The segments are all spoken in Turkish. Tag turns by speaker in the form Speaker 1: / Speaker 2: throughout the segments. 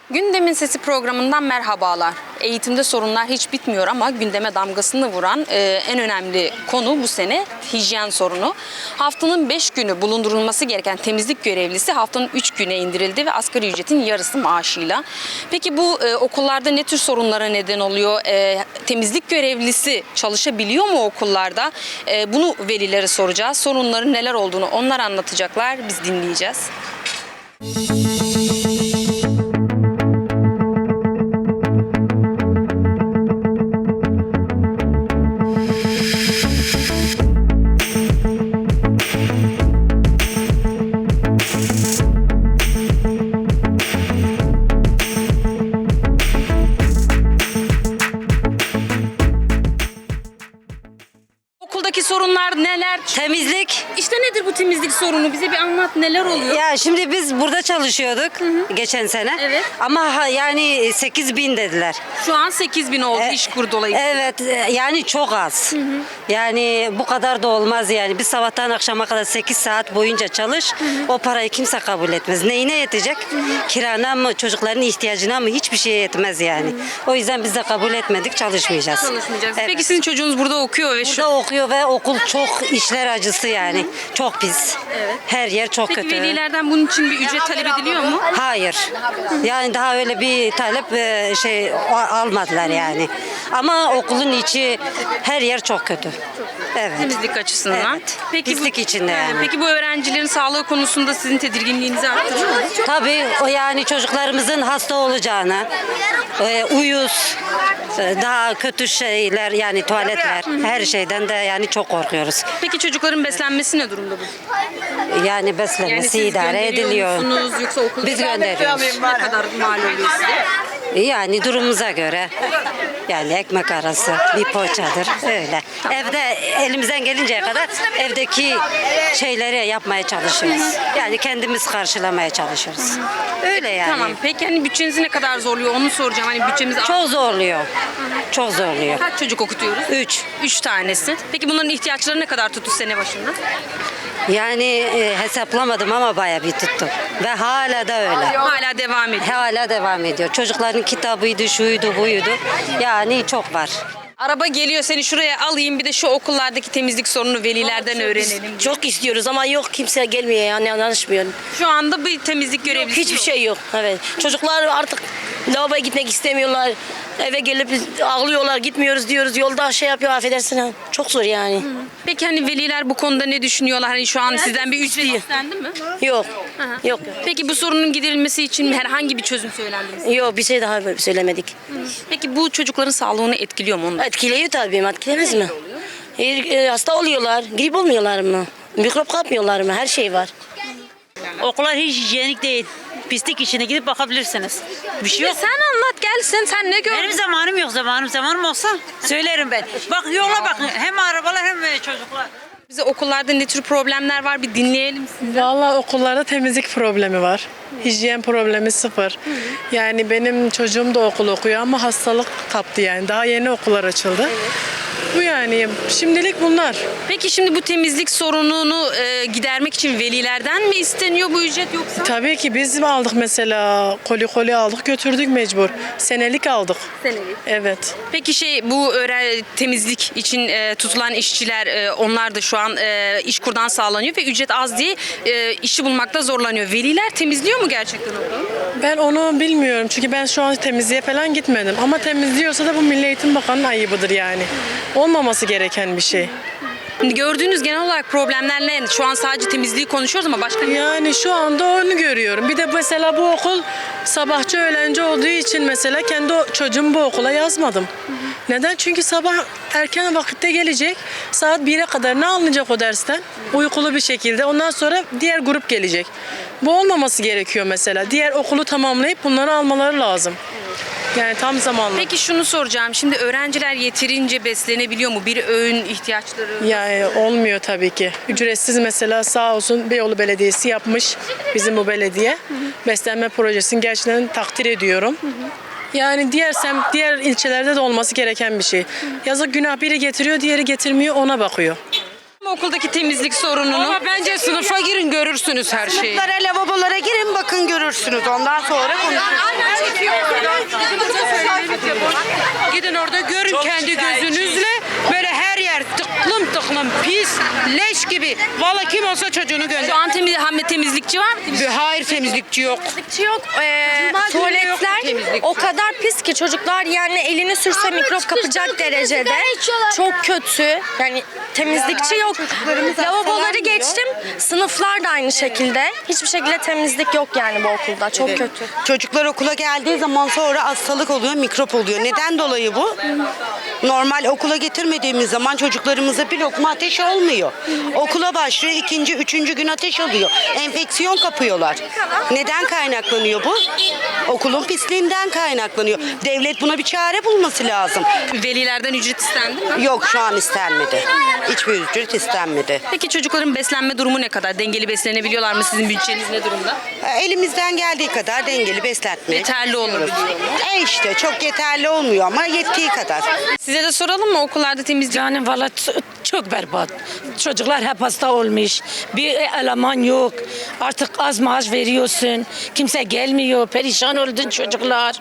Speaker 1: Gündemin Sesi programından merhabalar. Eğitimde sorunlar hiç bitmiyor ama gündeme damgasını vuran en önemli konu bu sene hijyen sorunu. Haftanın 5 günü bulundurulması gereken temizlik görevlisi haftanın 3 güne indirildi ve asgari ücretin yarısı maaşıyla. Peki bu okullarda ne tür sorunlara neden oluyor? Temizlik görevlisi çalışabiliyor mu okullarda? Bunu velilere soracağız. Sorunların neler olduğunu onlar anlatacaklar. Biz dinleyeceğiz. Okuldaki sorunlar neler?
Speaker 2: Temizlik.
Speaker 1: İşte nedir bu temizlik sorunu? Bize bir anlat, neler oluyor?
Speaker 2: Ya şimdi biz burada çalışıyorduk geçen sene.
Speaker 1: Evet.
Speaker 2: Ama yani 8.000 dediler.
Speaker 1: Şu an 8.000 oldu İşkur dolayısıyla.
Speaker 2: Evet yani çok az. Yani bu kadar da olmaz yani. Biz sabahtan akşama kadar 8 saat boyunca çalış. O parayı kimse kabul etmez. Neyine yetecek? Kirana mı, çocukların ihtiyacına mı? Hiçbir şeye yetmez yani. O yüzden biz de kabul etmedik, çalışmayacağız.
Speaker 1: Çalışmayacağız.
Speaker 2: Evet.
Speaker 1: Peki sizin çocuğunuz burada okuyor ve
Speaker 2: Burada okuyor ve okul çok işler acısı yani. Çok pis.
Speaker 1: Evet.
Speaker 2: Her yer çok
Speaker 1: Peki
Speaker 2: kötü.
Speaker 1: velilerden bunun için bir ücret talep ediliyor mu?
Speaker 2: Hayır. Yani daha öyle bir talep almadılar yani. Ama okulun içi her yer çok kötü. Evet.
Speaker 1: Temizlik açısından.
Speaker 2: Evet. Pislik içinde yani.
Speaker 1: Peki bu öğrencilerin sağlığı konusunda sizin tedirginliğinizi arttırıyor mu?
Speaker 2: Tabii o yani çocuklarımızın hasta olacağını, uyuz, daha kötü şeyler yani tuvaletler, her şeyden de yani çok korkuyoruz.
Speaker 1: Peki çocukların beslenmesi ne durumda bu?
Speaker 2: Yani
Speaker 1: Yani
Speaker 2: beslenmesi
Speaker 1: siz
Speaker 2: idare
Speaker 1: gönderiyor
Speaker 2: ediliyor.
Speaker 1: musunuz yoksa okulda
Speaker 2: Biz gönderiyoruz.
Speaker 1: ne kadar mal oluyor size?
Speaker 2: Yani durumumuza göre yani ekmek arası bir poğaçadır öyle. Evde elimizden gelinceye kadar evdeki şeyleri yapmaya çalışıyoruz. Yani kendimiz karşılamaya çalışıyoruz. Öyle yani.
Speaker 1: Tamam. Peki hani bütçenizi ne kadar zorluyor onu soracağım. Hani bütçemiz
Speaker 2: Çok zorluyor. Çok zorluyor.
Speaker 1: kaç çocuk okutuyoruz?
Speaker 2: 3.
Speaker 1: 3 tanesi. Peki bunların ihtiyaçları ne kadar tuttu sene başında?
Speaker 2: Yani hesaplamadım ama bayağı bir tuttu. Ve hala da öyle.
Speaker 1: Hala devam ediyor.
Speaker 2: Hala devam ediyor. Çocukların kitabıydı, şuydu, buydu. Yani çok var.
Speaker 1: Araba geliyor seni şuraya alayım bir de şu okullardaki temizlik sorununu velilerden öğrenelim.
Speaker 3: Çok istiyoruz ama yok kimse gelmiyor yani anlaşmıyor.
Speaker 1: Şu anda bir temizlik görevlisi
Speaker 3: Hiçbir
Speaker 1: yok.
Speaker 3: şey yok. Evet. Çocuklar artık lavaboya gitmek istemiyorlar. Eve gelip ağlıyorlar gitmiyoruz diyoruz. Yolda şey yapıyor affedersin. Ha. Çok zor yani.
Speaker 1: Peki hani veliler bu konuda ne düşünüyorlar? Hani şu an sizden bir ücret istendi mi?
Speaker 3: Yok. Yok.
Speaker 1: Peki bu sorunun giderilmesi için herhangi bir çözüm söylendi mi?
Speaker 3: Yok bir şey daha söylemedik.
Speaker 1: Peki bu çocukların sağlığını etkiliyor mu onlar?
Speaker 3: Etkiliyor tabii. Etkilemez mi? Hasta oluyorlar. Grip olmuyorlar mı? Mikrop kapmıyorlar mı? Her şey var.
Speaker 4: Okullar hiç hijyenik değil. Pislik içine gidip bakabilirsiniz. Bir şey yok.
Speaker 1: Sen anlat gelsin sen ne gördün?
Speaker 4: Benim zamanım yok. Zamanım olsa söylerim ben. Bak yola bakın. Hem arabalar hem çocuklar.
Speaker 1: Bize okullarda ne tür problemler var bir dinleyelim sizi.
Speaker 5: Vallahi okullarda temizlik problemi var. Hijyen problemi sıfır. Yani benim çocuğum da okul okuyor ama hastalık kaptı yani. Daha yeni okullar açıldı. Bu yani şimdilik bunlar.
Speaker 1: Peki şimdi bu temizlik sorununu gidermek için velilerden mi isteniyor bu ücret yoksa?
Speaker 5: Tabii ki biz mi aldık mesela koli aldık götürdük mecbur. Senelik aldık.
Speaker 1: Senelik.
Speaker 5: Evet.
Speaker 1: Peki bu temizlik için tutulan işçiler onlar da şu an İşkur'dan sağlanıyor ve ücret az diye işçi bulmakta zorlanıyor. Veliler temizliyor mu gerçekten okulu?
Speaker 5: Ben onu bilmiyorum çünkü ben şu an temizliğe falan gitmedim. Ama temizliyorsa da bu Milli Eğitim Bakanı'nın ayıbıdır yani. Olmaması gereken bir şey.
Speaker 1: Şimdi gördüğünüz genel olarak problemler ne? Şu an sadece temizliği konuşuyoruz ama başka ne?
Speaker 5: Yani şu anda onu görüyorum. Bir de mesela bu okul sabahçı öğlenci olduğu için mesela kendi çocuğumu bu okula yazmadım. Neden? Çünkü sabah erken vakitte gelecek. Saat 1'e kadar ne alınacak o dersten? Uykulu bir şekilde. Ondan sonra diğer grup gelecek. Bu olmaması gerekiyor mesela. Diğer okulu tamamlayıp bunları almaları lazım. Yani tam zamanlı.
Speaker 1: Peki şunu soracağım. Şimdi öğrenciler yeterince beslenebiliyor mu? Bir öğün ihtiyaçları.
Speaker 5: Yani olmuyor tabii ki. Ücretsiz mesela sağ olsun Beyoğlu Belediyesi yapmış bizim bu belediye. Beslenme projesini gerçekten takdir ediyorum. Yani diğer ilçelerde de olması gereken bir şey. Yazık günah biri getiriyor, diğeri getirmiyor ona bakıyor.
Speaker 1: okuldaki temizlik sorununu?
Speaker 6: Ama bence sınıfa girin görürsünüz her şeyi.
Speaker 7: Sınıflara, lavabolara girin bakın görürsünüz. Ondan sonra konuşuruz.
Speaker 6: Gidin orada görün kendi gözünüzle. Böyle her yer tıklım tıklım pis, leş gibi. Vallahi kim olsa çocuğunu
Speaker 1: Şu
Speaker 6: gönder.
Speaker 1: an temizlikçi var mı?
Speaker 6: Hayır temizlikçi yok.
Speaker 8: Yok. Tuvaletler o kadar pis ki çocuklar yani elini sürse mikrop kapacak derecede. Çok kötü. Yani temizlikçi yok. Lavaboları geçtim. Sınıflar da aynı şekilde. Hiçbir şekilde temizlik yok yani bu okulda. Çok kötü.
Speaker 7: Çocuklar okula geldiği zaman sonra hastalık oluyor, mikrop oluyor. Neden dolayı bu? Normal okula getirmediğimiz zaman çocuklarımıza bir lokma ateş olmuyor. Okula başlıyor, ikinci, üçüncü gün ateş oluyor. Enfeksiyon kapıyorlar. Neden kaynaklanıyor bu? Okulun pisliğinden kaynaklanıyor. Devlet buna bir çare bulması lazım.
Speaker 1: Velilerden ücret istendi mi?
Speaker 7: Yok şu an istenmedi. Hiçbir ücret istenmedi.
Speaker 1: Peki çocukların beslenme durumu ne kadar? Dengeli beslenebiliyorlar mı? Sizin bütçeniz ne durumda?
Speaker 7: Elimizden geldiği kadar dengeli besletmeye
Speaker 1: Yeterli olur mu?
Speaker 7: işte çok yeterli olmuyor ama yettiği kadar.
Speaker 1: Size de soralım mı okullarda temizlik?
Speaker 3: Yani valla çok berbat. Çocuklar hep hasta olmuş. Bir eleman yok. Artık az maaş veriyorsun. Kimse gelmiyor. Perişan oldu çocuklar.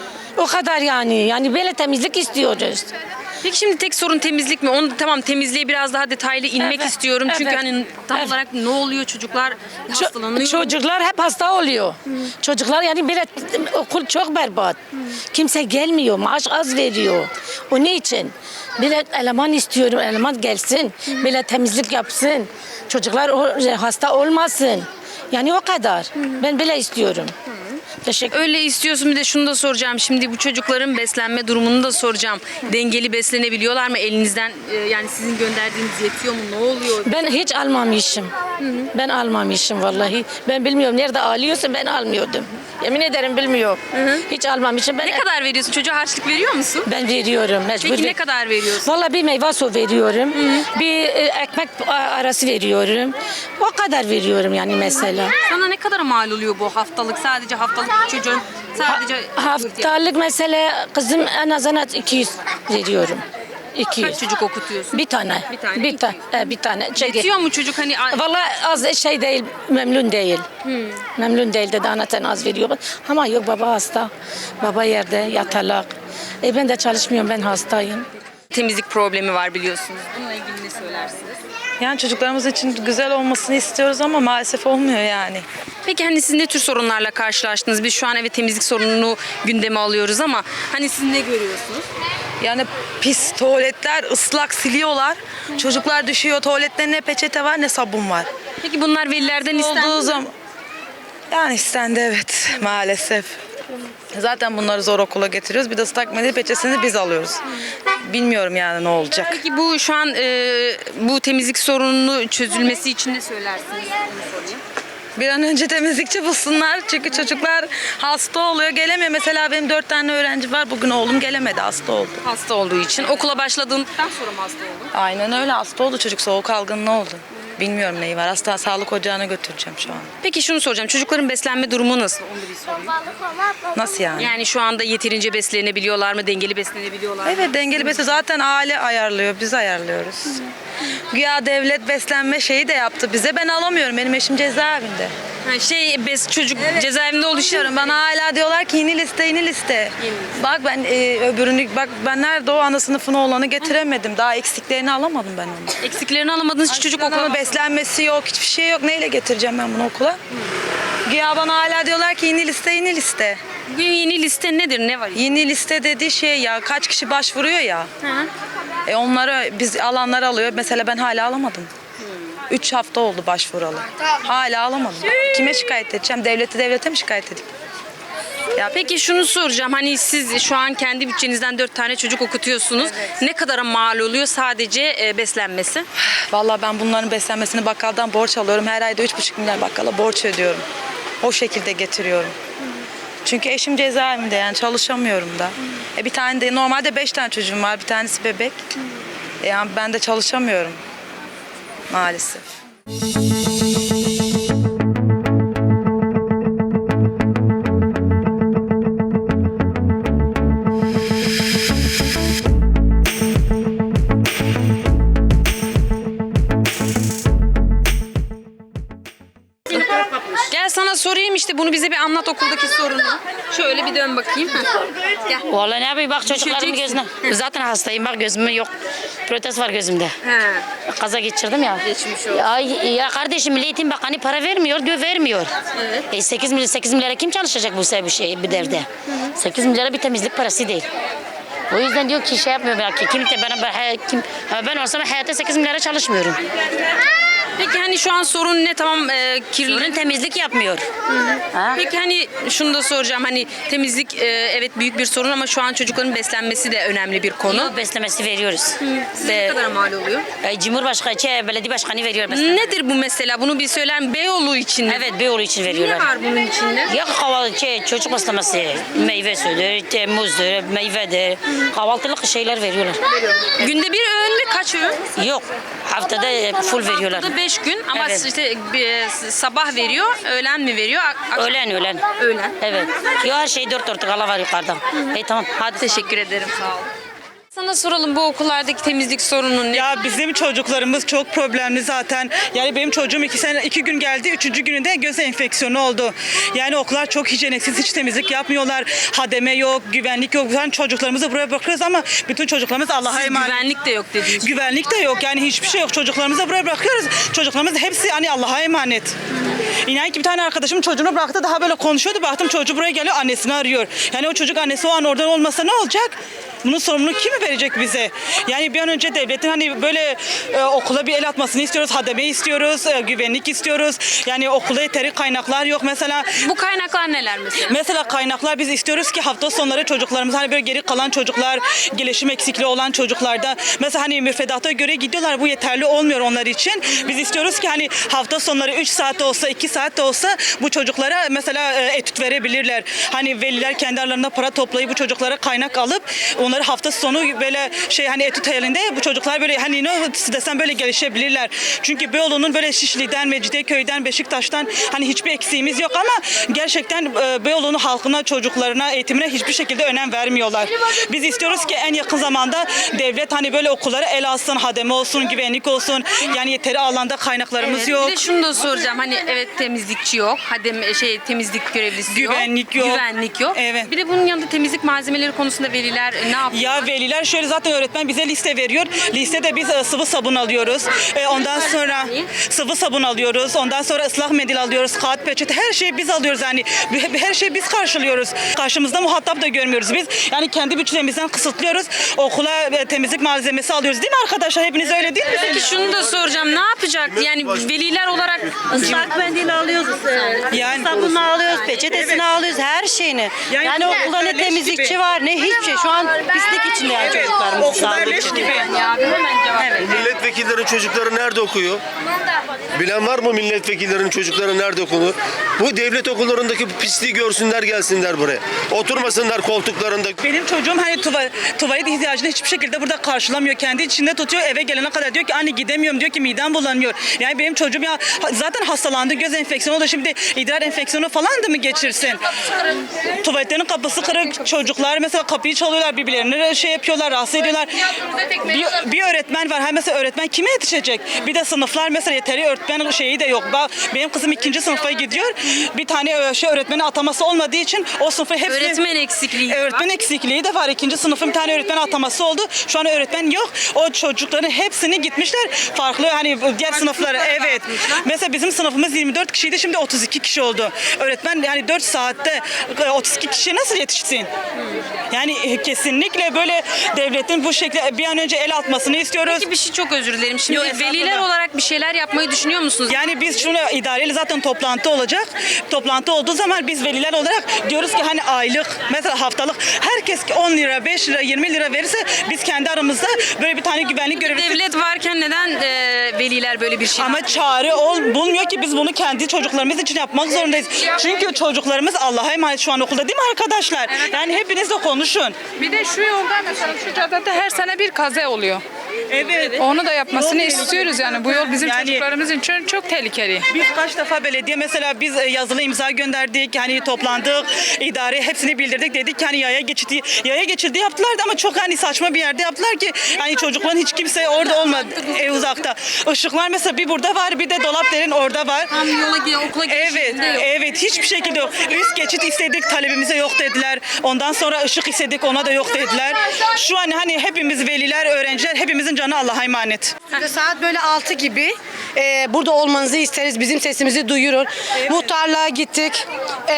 Speaker 3: O kadar yani. Yani böyle temizlik istiyoruz.
Speaker 1: Peki şimdi tek sorun temizlik mi? Onu tamam temizliğe biraz daha detaylı inmek
Speaker 3: Evet,
Speaker 1: istiyorum. Çünkü
Speaker 3: evet.
Speaker 1: hani tam
Speaker 3: Evet.
Speaker 1: olarak ne oluyor çocuklar hastalanıyor.
Speaker 3: Çocuklar hep hasta oluyor. Çocuklar yani böyle okul çok berbat. Kimse gelmiyor. Maaş az veriyor. O ne için? Böyle eleman istiyorum. Eleman gelsin. Böyle temizlik yapsın. Çocuklar hasta olmasın. Yani o kadar. Ben böyle istiyorum. Teşekkür
Speaker 1: Öyle istiyorsun, bir de şunu da soracağım. Şimdi bu çocukların beslenme durumunu da soracağım. Dengeli beslenebiliyorlar mı? Elinizden yani sizin gönderdiğiniz yetiyor mu? Ne oluyor?
Speaker 3: Ben hiç almamışım. Ben almamışım vallahi. Ben bilmiyorum nerede alıyorsun, ben almıyordum. Yemin ederim bilmiyorum. Hiç almamışım. Ben
Speaker 1: Ne kadar veriyorsun? Çocuğa harçlık veriyor musun?
Speaker 3: Ben veriyorum mecbur.
Speaker 1: Peki ne kadar veriyorsun?
Speaker 3: Vallahi bir meyve su veriyorum. Bir ekmek arası veriyorum. O kadar veriyorum yani mesela.
Speaker 1: Sana ne kadar mal oluyor bu haftalık? Sadece haftalık çocuğun sadece
Speaker 3: Haftalık mesela kızım en azından 200 veriyorum. 200.
Speaker 1: kaç çocuk okutuyorsun?
Speaker 3: Bir tane.
Speaker 1: Bir tane,
Speaker 3: Bir tane. Bir tane. Çünkü
Speaker 1: Yetiyor mu çocuk hani?
Speaker 3: vallahi az şey değil, memnun değil. Memnun değil dedi anahtar az veriyor. Ama yok baba hasta. Baba yerde yatalak. Ben de çalışmıyorum, ben hastayım.
Speaker 1: Temizlik problemi var biliyorsunuz. Bununla ilgili ne söylersiniz?
Speaker 9: Yani çocuklarımız için güzel olmasını istiyoruz ama maalesef olmuyor yani.
Speaker 1: Peki hani siz ne tür sorunlarla karşılaştınız? Biz şu an evet temizlik sorununu gündeme alıyoruz ama hani siz ne görüyorsunuz?
Speaker 9: Yani pis tuvaletler ıslak siliyorlar. Çocuklar düşüyor, tuvalette ne peçete var ne sabun var.
Speaker 1: Peki bunlar velilerden istendi
Speaker 9: Olduğu
Speaker 1: mi?
Speaker 9: zaman yani istendi evet maalesef. Zaten bunları zor okula getiriyoruz. Bir de ıslak mendil peçetesini biz alıyoruz. Bilmiyorum yani ne olacak.
Speaker 1: Peki bu şu an bu temizlik sorununu çözülmesi için ne söylersiniz? Onu sorayım.
Speaker 9: Bir an önce temizlikçi bulsunlar. Çünkü çocuklar hasta oluyor, gelemiyor. Mesela benim 4 tane öğrenci var. Bugün oğlum gelemedi, hasta oldu.
Speaker 1: Hasta olduğu için. Okula başladığından sonra mı hasta oldun?
Speaker 9: Aynen öyle hasta oldu çocuk. Soğuk algınlığı oldu. Bilmiyorum neyi var. Hasta sağlık ocağına götüreceğim şu an.
Speaker 1: Peki şunu soracağım. Çocukların beslenme durumu nasıl? Onu da bir sorayım.
Speaker 9: Nasıl yani?
Speaker 1: Yani şu anda yeterince beslenebiliyorlar mı? Dengeli beslenebiliyorlar mı?
Speaker 9: Evet dengeli beslenme zaten aile ayarlıyor. Biz ayarlıyoruz. Güya devlet beslenme şeyi de yaptı bize. Ben alamıyorum. Benim eşim cezaevinde.
Speaker 1: Ha, çocuk cezaevinde oluşuyor.
Speaker 9: Düşünüyorum. Bana hala diyorlar ki yeni liste, yeni liste. Bak ben öbürünü, bak ben nerede o ana sınıfına olanı getiremedim. Daha eksiklerini alamadım ben onu.
Speaker 1: Eksiklerini alamadığınız için çocuk okula...
Speaker 9: Ama beslenmesi yok, hiçbir şey yok. Neyle getireceğim ben bunu okula? Güya bana hala diyorlar ki yeni liste, yeni liste.
Speaker 1: Bugün yeni liste nedir? Ne var?
Speaker 9: Yeni liste dediği şey ya kaç kişi başvuruyor ya. Onları biz alanlar alıyor. Mesela ben hala alamadım. 3 hafta oldu başvuralı. Hala alamadım. Kime şikayet edeceğim? Devlete mi şikayet edeyim?
Speaker 1: Ya peki şunu soracağım. Hani siz şu an kendi bütçenizden 4 tane çocuk okutuyorsunuz. Ne kadara mal oluyor sadece beslenmesi?
Speaker 9: Vallahi ben bunların beslenmesini bakkaldan borç alıyorum. Her ayda 3,5 milyar bakkala borç ödüyorum. O şekilde getiriyorum. Çünkü eşim cezaevinde yani çalışamıyorum da. Bir tane de normalde 5 tane çocuğum var. Bir tanesi bebek. Yani ben de çalışamıyorum maalesef.
Speaker 1: anlat okuldaki sorunu. Şöyle bir dön bakayım. Gel.
Speaker 3: Vallahi ne yapayım bak çocuklarımın
Speaker 1: Düşeceksin.
Speaker 3: gözüne. Zaten hastayım bak gözümün yok. Protez var gözümde.
Speaker 1: He.
Speaker 3: Kaza geçirdim ya.
Speaker 1: Geçmiş olsun.
Speaker 3: Ya kardeşim Milli Eğitim Bakanı para vermiyor diyor vermiyor.
Speaker 1: Evet.
Speaker 3: 8 milyara kim çalışacak bu bir devde? 8 milyara bir temizlik parası değil. O yüzden diyor ki şey yapmıyor belki. Ben olsam hayatta 8 milyara çalışmıyorum.
Speaker 1: Peki hani şu an sorun ne? Tamam kirli.
Speaker 3: Sorun temizlik yapmıyor.
Speaker 1: Peki hani şunu da soracağım. Hani temizlik evet büyük bir sorun ama şu an çocukların beslenmesi de önemli bir konu.
Speaker 3: Yok beslemesi veriyoruz.
Speaker 1: Size ne kadar mal oluyor?
Speaker 3: Cumhurbaşkanı, belediye başkanı veriyor beslemesi.
Speaker 1: Nedir bu mesela? Bunu bir söyler Beyoğlu için mi?
Speaker 3: Evet Beyoğlu için
Speaker 1: Ne
Speaker 3: veriyorlar.
Speaker 1: var bunun içinde?
Speaker 3: Ya kahvaltı, çocuk beslemesi, meyve suyudur, muzdur, meyvedir, kahvaltılık şeyler veriyorlar.
Speaker 1: Günde bir öğün mü? Kaç öğün?
Speaker 3: Yok, haftada full veriyorlar.
Speaker 1: Haftada 5 gün ama
Speaker 3: Evet.
Speaker 1: işte sabah veriyor, öğlen mi veriyor?
Speaker 3: Öğlen.
Speaker 1: Öğlen.
Speaker 3: Evet. Yo her şey 4 ala var yukarıda. Tamam hadi.
Speaker 1: Teşekkür ederim. Sağ ol. Sana soralım bu okullardaki temizlik sorunu ne?
Speaker 10: Ya bizim çocuklarımız çok problemli zaten. Yani benim çocuğum 2 gün geldi. 3. gününde göz enfeksiyonu oldu. Yani okullar çok hijyeniksiz, hiç temizlik yapmıyorlar. Hademe yok, güvenlik yok. Yani çocuklarımızı buraya bırakıyoruz ama bütün çocuklarımız Allah'a emanet.
Speaker 1: Güvenlik de yok dediğiniz.
Speaker 10: Güvenlik de yok, yani hiçbir şey yok. Çocuklarımızı buraya bırakıyoruz. Çocuklarımız hepsi hani Allah'a emanet. İnan ki bir tane arkadaşım çocuğunu bıraktı, daha böyle konuşuyordu. Baktım çocuğu buraya geliyor, annesini arıyor. Yani o çocuk annesi o an oradan olmasa ne olacak? Bunun sorumluluğu kim verecek bize? Yani bir an önce devletin hani böyle okula bir el atmasını istiyoruz, hademe istiyoruz, güvenlik istiyoruz. Yani okulda yeteri kaynaklar yok mesela.
Speaker 1: Bu kaynaklar neler mesela?
Speaker 10: Mesela kaynaklar biz istiyoruz ki hafta sonları çocuklarımız hani böyle geri kalan çocuklar, gelişim eksikliği olan çocuklarda mesela hani müfredata göre gidiyorlar, bu yeterli olmuyor onlar için. Biz istiyoruz ki hani hafta sonları 3 saat de olsa 2 saat de olsa bu çocuklara mesela etüt verebilirler. Hani veliler kendi aralarında para toplayıp bu çocuklara kaynak alıp onları hafta sonu böyle hani etüt halinde bu çocuklar böyle hani ne desem böyle gelişebilirler. Çünkü Beyoğlu'nun böyle Şişli'den, Mecidiyeköy'den, Beşiktaş'tan hani hiçbir eksiğimiz yok ama gerçekten Beyoğlu'nun halkına, çocuklarına, eğitimine hiçbir şekilde önem vermiyorlar. Biz istiyoruz ki en yakın zamanda devlet hani böyle okullara el alsın, hademe olsun, güvenlik olsun. Yani yeteri alanda kaynaklarımız yok.
Speaker 1: Bir de şunu da soracağım. Hani evet temizlikçi yok. Temizlik görevlisi
Speaker 10: Güvenlik yok.
Speaker 1: Güvenlik yok.
Speaker 10: Evet.
Speaker 1: Bir de bunun yanında temizlik malzemeleri konusunda veliler ne yapıyor?
Speaker 10: Ya veliler şöyle zaten öğretmen bize liste veriyor. Listede biz sıvı sabun alıyoruz. Ondan sonra sıvı sabun alıyoruz. Ondan sonra ıslak mendil alıyoruz. Kağıt peçete her şeyi biz alıyoruz yani. Her şeyi biz karşılıyoruz. Karşımızda muhatap da görmüyoruz biz. Yani kendi bütçemizden kısıtlıyoruz. Okula temizlik malzemesi alıyoruz değil mi arkadaşlar? Hepiniz öyle değil mi?
Speaker 1: Peki şunu da soracağım. Ne yapacak? Yani veliler olarak
Speaker 2: Islak mendil alıyoruz.
Speaker 10: Yani-
Speaker 2: Sabunu alıyoruz, peçetesini alıyoruz, her şeyini.
Speaker 10: Yani
Speaker 2: Yani okulda ne
Speaker 10: leş
Speaker 2: temizlikçi
Speaker 10: gibi.
Speaker 2: var ne hiçbir şey. Şu an pislik içinde yani çocuklarımız.
Speaker 10: Okullar
Speaker 2: sağlık
Speaker 10: leş
Speaker 2: için.
Speaker 10: gibi.
Speaker 11: Milletvekillerinin çocukları nerede okuyor? Bilen var mı milletvekillerinin çocukları nerede okunur? Bu devlet okullarındaki pisliği görsünler, gelsinler buraya. Oturmasınlar koltuklarında.
Speaker 10: Benim çocuğum hani tuvalet ihtiyacını hiçbir şekilde burada karşılamıyor. Kendi içinde tutuyor, eve gelene kadar diyor ki anne gidemiyorum, diyor ki midem bulanıyor. Yani benim çocuğum ya zaten hastalandı, göz enfeksiyonu oldu, şimdi idrar enfeksiyonu falan da mı geçirsin? Tuvaletlerin kapısı kırık, çocuklar mesela kapıyı çalıyorlar, birbirlerine yapıyorlar, rahatsız ediyorlar. Bir öğretmen var, mesela öğretmen kime yetişecek? Bir de sınıflar mesela yeteri öğretmen şeyi de yok. Benim kızım 2. sınıfa gidiyor. Bir tane öğretmenin ataması olmadığı için o sınıfı hepsi...
Speaker 1: öğretmen eksikliği var.
Speaker 10: Öğretmen eksikliği de var. 2. sınıfın bir tane öğretmen ataması oldu. Şu an öğretmen yok. O çocukların hepsini gitmişler. Farklı hani diğer sınıflara. Evet. Mesela bizim sınıfımız 24 kişiydi. Şimdi 32 kişi oldu. Öğretmen yani 4 saatte 32 kişiye nasıl yetişsin? Yani kesinlikle böyle devletin bu şekilde bir an önce el atmasını istiyoruz.
Speaker 1: Peki bir şey çok özür dilerim. Şimdi
Speaker 10: Yok, estağfurullah.
Speaker 1: veliler olarak bir şeyler yapmayı düşünüyor musunuz?
Speaker 10: Yani biz şunu idareyle zaten toplantı olacak. Toplantı olduğu zaman biz veliler olarak diyoruz ki hani aylık mesela haftalık herkes 10 lira 5 lira 20 lira verirse biz kendi aramızda böyle bir tane güvenlik görevlisi.
Speaker 1: Devlet varken neden veliler böyle bir şey
Speaker 10: Ama çare bulmuyor ki biz bunu kendi çocuklarımız için yapmak zorundayız. Çünkü çocuklarımız Allah'a emanet şu an okulda değil mi arkadaşlar? Yani hepiniz de konuşun.
Speaker 12: Bir de şu yolda mesela şu caddede her sene bir kaza oluyor.
Speaker 10: Evet.
Speaker 12: Onu da yapmasını
Speaker 10: Yol
Speaker 12: istiyoruz yani. Bu yol bizim
Speaker 10: Yani-
Speaker 12: çocuklarımız için çok tehlikeli.
Speaker 10: Biz kaç defa belediye mesela biz yazılı imza gönderdik, hani toplandık, idare hepsini bildirdik, dedik ki hani yaya geçidi yaptılar da ama çok hani saçma bir yerde yaptılar ki hani çocukların hiç kimse orada olmadı, uzakta. Işıklar mesela bir burada var, bir de Dolapdere'nin orada var.
Speaker 1: Tam yola okula
Speaker 10: Evet,
Speaker 1: girişinde yok.
Speaker 10: evet hiçbir şekilde yok. Üst geçit istedik, talebimize yok dediler. Ondan sonra ışık istedik, ona da yok dediler. Şu an hani hepimiz veliler, öğrenciler, hepimizin canı Allah'a emanet.
Speaker 13: Saat böyle 6 gibi burada olmanızı isteriz. Bizim sesimizi duyurun. Muhtarlığa gittik.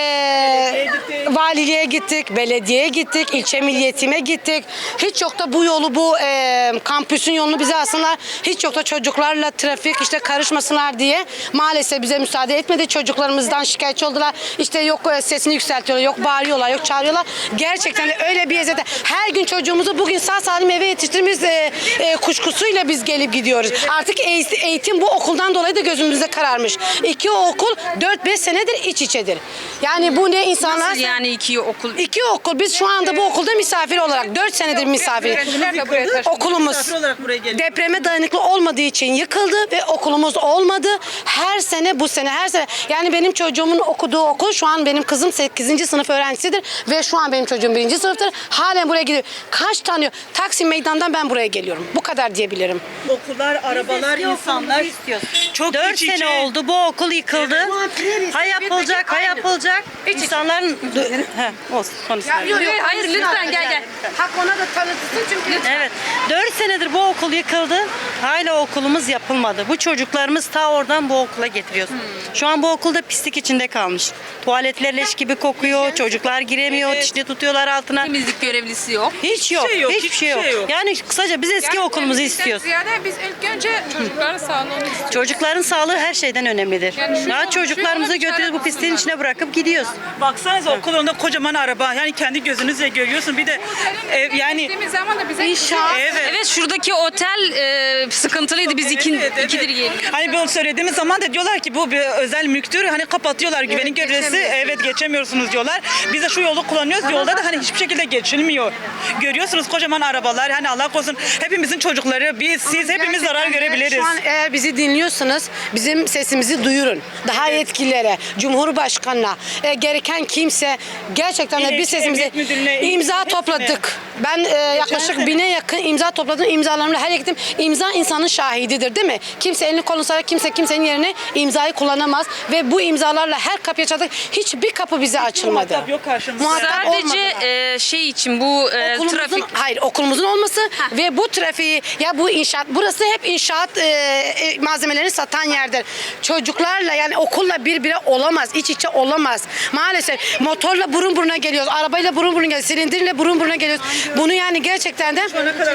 Speaker 13: Valiliğe gittik. Belediyeye gittik. İlçe milliyetime gittik. Hiç yok da bu yolu bu kampüsün yolunu bize alsınlar. Hiç yok da çocuklarla trafik işte karışmasınlar diye maalesef bize müsaade etmedi. Çocuklarımızdan şikayetçi oldular. İşte yok sesini yükseltiyorlar, yok bağırıyorlar, yok çağırıyorlar. Gerçekten de öyle bir eziyet. Her gün çocuğumuzu bugün sağ salim eve yetiştirdiğimiz kuşkusuyla biz gelip gidiyoruz. Artık eğitim bu okuldan dolayı da gözümüzde kararmış. İki okul 4-5 senedir iç içedir. Yani bu ne insanlar...
Speaker 1: Nasıl yani iki okul?
Speaker 13: İki okul. Biz şu anda bu okulda misafir olarak 4 senedir misafir. Okulumuz
Speaker 10: Misafir olarak buraya geliyoruz.
Speaker 13: depreme dayanıklı olmadığı için yıkıldı ve okulumuz olmadı. Her sene bu sene her sene. Yani benim çocuğumun okuduğu okul şu an benim kızım 8. sınıf öğrencisidir ve şu an benim çocuğum 1. sınıftır. Halen buraya gidiyor. Kaç tane Taksim Meydan'dan ben buraya geliyorum. Bu kadar diyebilirim.
Speaker 10: Okullar, arabalar, insanlar. Çok
Speaker 2: 4
Speaker 10: iç içe.
Speaker 2: sene oldu bu okul yıkıldı. Ha yapılacak, ha yapılacak. İnsanların... Olsun konuşalım.
Speaker 1: Hayır lütfen gel.
Speaker 13: Hak ona da tanıtsın çünkü.
Speaker 2: Evet. 4 senedir bu okul yıkıldı. Hala okulumuz yapılmadı. Bu çocuklarımız ta oradan bu okula getiriyoruz. Şu an bu okulda pislik içinde kalmış. Tuvaletler leş gibi kokuyor. Çocuklar giremiyor. Dişini tutuyorlar altına.
Speaker 1: Temizlik görevlisi yok.
Speaker 2: Hiç yok.
Speaker 10: şey yok,
Speaker 2: Hiçbir şey yok. Yani kısaca biz eski okulumuzu istiyoruz.
Speaker 12: Ziyade biz ilk önce çocukların sağlığını istiyoruz.
Speaker 2: Çocukların sağlığı her şeyden önemlidir. Ya çocuklarımızı götürüyoruz bu pisliğin içine bırakıp gidiyoruz.
Speaker 10: Baksanıza okul önünde kocaman araba. Yani kendi gözünüzle görüyorsun. Bir de yani
Speaker 12: Gittiğimiz zaman da bize
Speaker 1: Evet şuradaki otel sıkıntılıydı. Biz ikidir geliyoruz.
Speaker 10: Hani bunu söylediğimiz zaman da diyorlar ki bu bir özel mülktür. Hani kapatıyorlar güvenlik görevlisi. Evet geçemiyorsunuz diyorlar. Biz de şu yolu kullanıyoruz. Yolda da hani hiçbir şekilde geçilmiyor. Görüyorsunuz kocaman arabalar. Hani Allah korusun hepimizin çocukları biz siz hepimiz zarar görebiliriz.
Speaker 13: Şu an eğer bizi dinliyorsanız bizim sesimizi duyurun. Daha yetkililere, Cumhurbaşkanına, gereken kimse gerçekten de biz sesimizi
Speaker 10: Emniyet Müdürlüğü'ne,
Speaker 13: imza
Speaker 10: hepsine.
Speaker 13: topladık. Ben yaklaşık 1000'e yakın imza topladım. İmzalarımla her gittim. İmza insanın şahididir değil mi? Kimse elini kolunu sarar, kimse kimsenin yerine imzayı kullanamaz. Ve bu imzalarla her kapıya çaldık. Hiçbir kapı bize açılmadı.
Speaker 10: muhatap yok karşımızda.
Speaker 13: Muhatap
Speaker 1: Sadece
Speaker 13: olmadılar.
Speaker 1: şey için bu trafik.
Speaker 13: Hayır okulumuzun olması ve bu trafiği ya bu inşaat burası hep inşaat malzemelerini satan yerdir. Çocuklarla yani okulla birbirine olamaz. İç içe olamaz. Maalesef motorla burun buruna geliyoruz. Arabayla burun buruna geliyoruz. Silindirle burun buruna geliyoruz. Bunu yani gerçekten de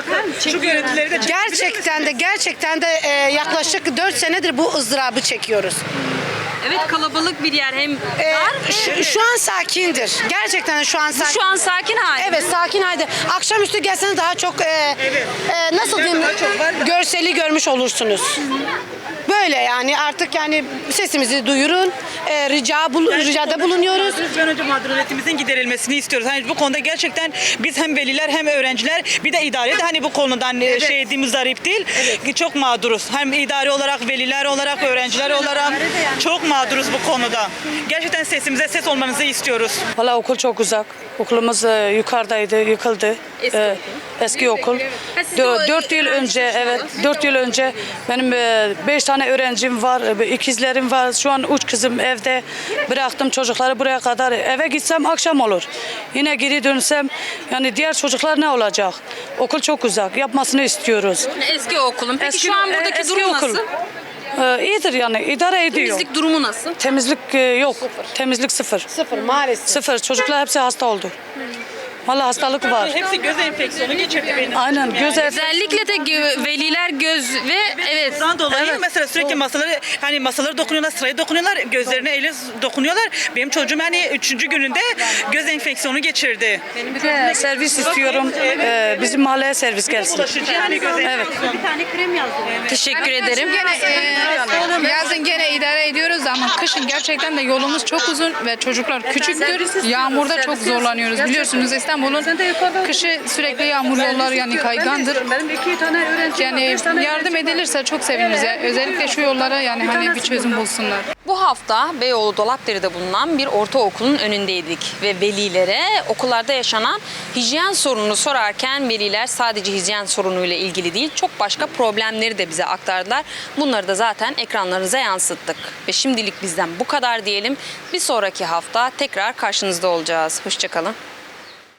Speaker 10: Şu görüntüleri de
Speaker 13: gerçekten de yaklaşık 4 senedir bu ızdırabı çekiyoruz.
Speaker 1: Evet kalabalık bir yer hem dar.
Speaker 13: Şu an sakindir. Gerçekten de şu an sakin.
Speaker 1: Şu an sakin hali.
Speaker 13: Evet sakin halde. Akşamüstü gelseniz daha çok nasıl diyeyim görseli görmüş olursunuz. Böyle yani artık yani sesimizi duyurun. Ricada bulunuyoruz.
Speaker 10: Bir an önce mağduriyetimizin giderilmesini istiyoruz. Hani bu konuda gerçekten biz hem veliler hem öğrenciler bir de idare de hani bu konudan şey ettiğimiz zarip değil. Çok mağduruz. Hem idare olarak, veliler olarak, öğrenciler olarak çok mağduruz bu konuda. Gerçekten sesimize ses olmanızı istiyoruz.
Speaker 14: Valla okul çok uzak. Okulumuz yukarıdaydı, yıkıldı. Eski okul. 4 yıl önce, evet 4 yıl önce benim 5 tane öğrencim var, ikizlerim var. Şu an 3 kızım evde. Bıraktım çocukları buraya kadar. Eve gitsem akşam olur. Yine geri dönsem yani diğer çocuklar ne olacak? Okul çok uzak. Yapmasını istiyoruz.
Speaker 1: Eski okulun. Peki şu an buradaki
Speaker 14: eski
Speaker 1: durum
Speaker 14: okul.
Speaker 1: nasıl?
Speaker 14: İyidir yani idare ediyor.
Speaker 1: Temizlik durumu nasıl?
Speaker 14: Temizlik yok. Temizlik sıfır.
Speaker 13: Sıfır maalesef.
Speaker 14: Sıfır. Çocuklar hepsi hasta oldu. Vallahi hastalık var.
Speaker 10: Hepsi göz enfeksiyonu geçirdi benim.
Speaker 14: Aynen göz
Speaker 1: Özellikle de veliler göz ve evet.
Speaker 10: Bundan dolayı mesela sürekli masaları dokunuyorlar, sıraya dokunuyorlar, gözlerine ele dokunuyorlar. Benim çocuğum yani 3. gününde göz enfeksiyonu geçirdi.
Speaker 14: Bir de servis istiyorum. Bizim mahalleye servis gelsin.
Speaker 10: Bulaşıcı yani göz
Speaker 14: Evet.
Speaker 1: Teşekkür ederim.
Speaker 12: Yazın gene idare ediyoruz ama kışın gerçekten de yolumuz çok uzun ve çocuklar küçüktür. Yağmurda çok zorlanıyoruz. Biliyorsunuz İstanbul'da İstanbul'un kışı sürekli yağmurlu yollar yani kaygandır.
Speaker 14: Benim 2 tane öğrencim var.
Speaker 12: Yani
Speaker 14: 5 tane
Speaker 12: yardım edilirse çok seviniriz. Yani özellikle şu yollara yani hani bir çözüm bulsunlar.
Speaker 1: Bu hafta Beyoğlu Dolapdere'de bulunan bir ortaokulun önündeydik ve velilere okullarda yaşanan hijyen sorununu sorarken veliler sadece hijyen sorunuyla ilgili değil, çok başka problemleri de bize aktardılar. Bunları da zaten ekranlarınıza yansıttık. Ve şimdilik bizden bu kadar diyelim. Bir sonraki hafta tekrar karşınızda olacağız. Hoşça kalın.